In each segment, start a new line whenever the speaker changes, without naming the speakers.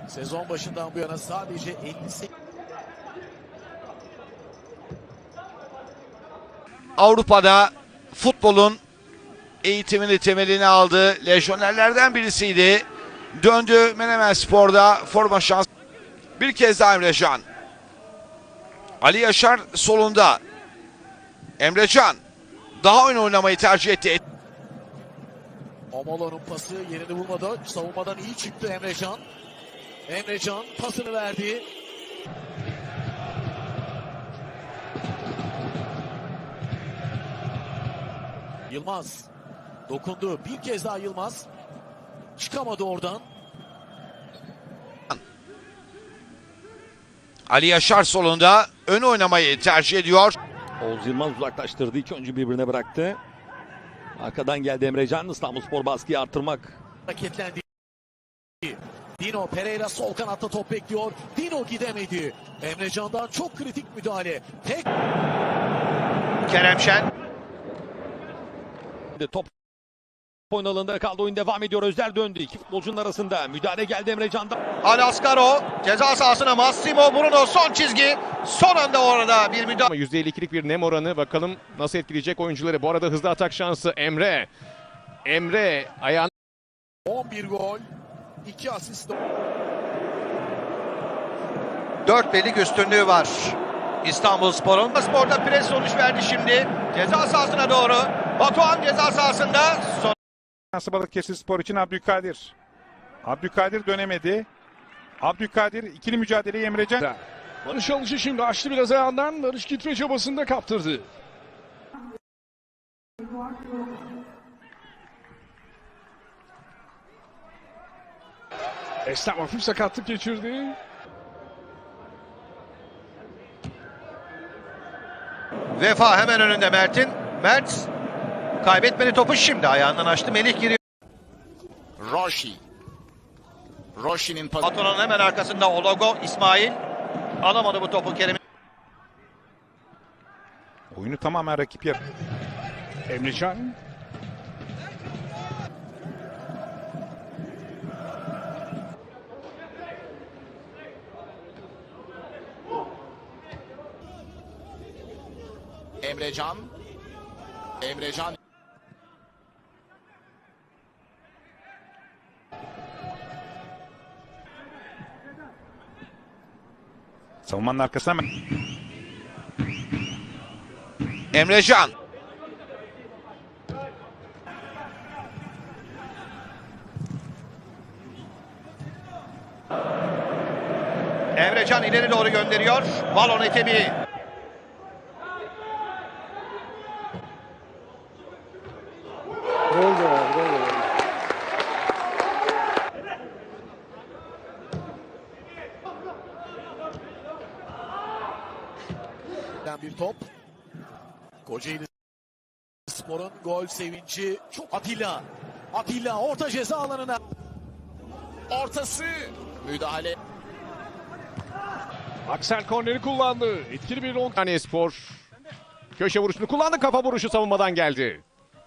Sezon başından bu yana sadece 58.
Avrupa'da futbolun eğitimini, temelini aldı. Lejyonerlerden birisiydi. Döndü Menemenspor'da forma şans. Bir kez daha Emrecan. Ali Yaşar solunda. Emrecan daha oyun oynamayı tercih etti.
Omolo'nun pası yerini bulmadı. Savunmadan iyi çıktı Emrecan. Emrecan pasını verdi. Yılmaz dokundu. Bir kez daha Yılmaz. Çıkamadı oradan.
Ali Yaşar solunda ön oynamayı tercih ediyor.
Oğuz Yılmaz uzaklaştırdı. İki oyuncu birbirine bıraktı. Arkadan geldi Emrecan. İstanbulspor baskıyı artırmak.
Hareketlendi. Dino Pereira sol kanatta top bekliyor. Dino gidemedi. Emrecan'dan çok kritik müdahale. Tek
Kerem Şen.
Top oyun alanında kaldı. Oyun devam ediyor. Özler döndü. İki futbolcunun arasında. Müdahale geldi Emrecan'dan.
Alaskaro ceza sahasına Massimo Bruno son çizgi. Son anda orada bir müdahale.
Ama %52'lik bir nem oranı, bakalım nasıl etkileyecek oyuncuları. Bu arada hızlı atak şansı Emre. Emre ayağını
11 gol, 2 asist.
4 birlik üstünlüğü var İstanbulspor'un. Spor'da pres sonuç verdi şimdi. Ceza sahasına doğru. Batuhan ceza sahasında.
Balıkesirspor için Abdülkadir. Abdülkadir dönemedi. Abdülkadir ikili mücadeleyi Emrecan.
Barış Alıcı şimdi açtı biraz ayağından. Barış gitme çabasında kaptırdı. Eslem hafif sakatlık geçirdi.
Vefa hemen önünde Mert'in. Mert kaybetmedi topu, şimdi ayağından açtı. Melih giriyor.
Roshi'nin pası.
Batuhan'ın hemen arkasında Ologo İsmail. Alamadı bu topu Kerem.
Oyunu tamamen rakip yap.
Emrecan.
Emrecan.
Savunmanın arkasına hemen.
Emrecan. Emrecan ileri doğru gönderiyor. Balon etebi.
Bir top. Kocaeli Spor'un gol sevinci çok. Atilla orta ceza alanına. Ortası. Müdahale.
Aksel korneri kullandı. Etkili bir long.
Spor köşe vuruşunu kullandı. Kafa vuruşu savunmadan geldi.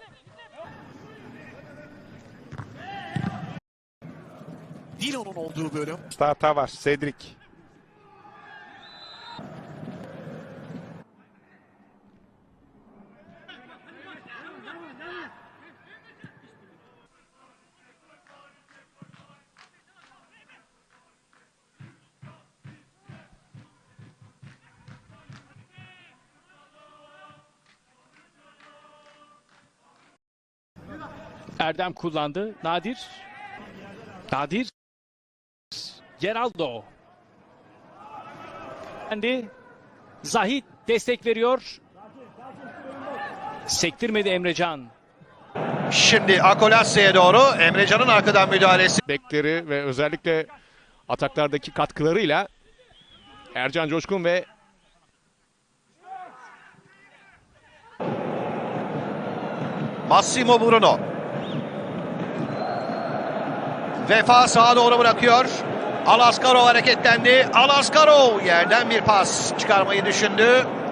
Dino'nun olduğu bölüm.
Hata var. Cedric.
Erdem kullandı. Nadir. Geraldo. Kendi. Zahit destek veriyor. Sektirmedi Emrecan.
Şimdi Akolasya'ya doğru Emrecan'ın arkadan müdahalesi.
Bekleri ve özellikle ataklardaki katkılarıyla Ercan Coşkun ve
Massimo Bruno. Vefa sağa doğru bırakıyor. Alaskaro hareketlendi. Alaskaro yerden bir pas çıkarmayı düşündü.